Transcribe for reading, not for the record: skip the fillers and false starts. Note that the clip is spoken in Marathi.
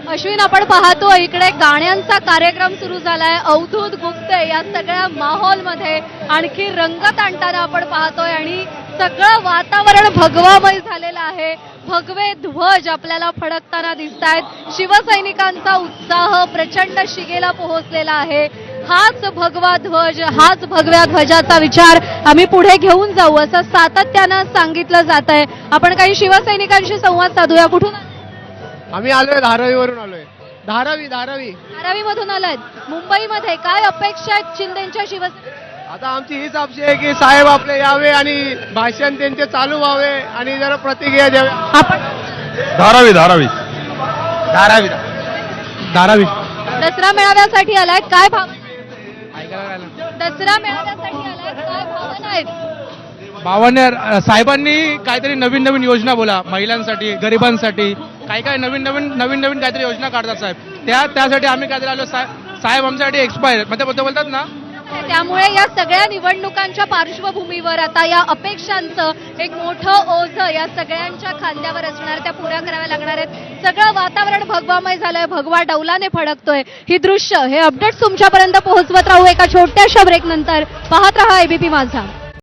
अश्विन, आपण पाहतो इकडे गाण्यांचा कार्यक्रम सुरू झालाय. अवधूत गुप्ते या सगळ्या माहोलमध्ये आणखी रंगत आणताना आपण पाहतोय आणि सगळं वातावरण भगवामय झालेलं आहे. भगवे ध्वज आपल्याला फडकताना दिसतायत. शिवसैनिकांचा उत्साह प्रचंड शिगेला पोहोचलेला आहे. हाच भगवा ध्वज, हाच भगव्या ध्वजाचा विचार आम्ही पुढे घेऊन जाऊ असं सातत्यानं सांगितलं जात आहे. आपण काही शिवसैनिकांशी संवाद साधूया. कुठून आम्ही आलोय? धारावीवरून आलोय. धारावी धारावीमधून आलायत. मुंबईमध्ये काय अपेक्षा आहेत शिंदेच्या शिवसेना? आता आमची हीच अपेक्षा आहे की साहेब आपले यावे आणि भाषण त्यांचे चालू व्हावे आणि जरा प्रतिक्रिया द्यावे. आपण धारावी दसरा मेळाव्यासाठी आलाय, काय भावना? दसरा मेळाव्यासाठी आलाय, काय भावना आहेत? भावना साहेबांनी काहीतरी नवीन नवीन योजना बोला, महिलांसाठी, गरिबांसाठी काय नवीन नवीन काहीतरी योजना काढतात साहेब. त्यासाठी आम्ही काहीतरी आलो. साहेब आमच्यासाठी एक्सपायर म्हणजे बोलतात ना. त्यामुळे या सगळ्या निवडणुकांच्या पार्श्वभूमीवर आता या अपेक्षांचं एक मोठं ओझं या सगळ्यांच्या खांद्यावर असणार, त्या पुऱ्या कराव्या लागणार आहेत. सगळं वातावरण भगवामय झालंय, भगवा डौलाने फडकतोय. ही दृश्य, हे अपडेट्स तुमच्यापर्यंत पोहोचवत राहू एका छोट्याशा ब्रेक नंतर. पाहत रहा एबीपी माझा.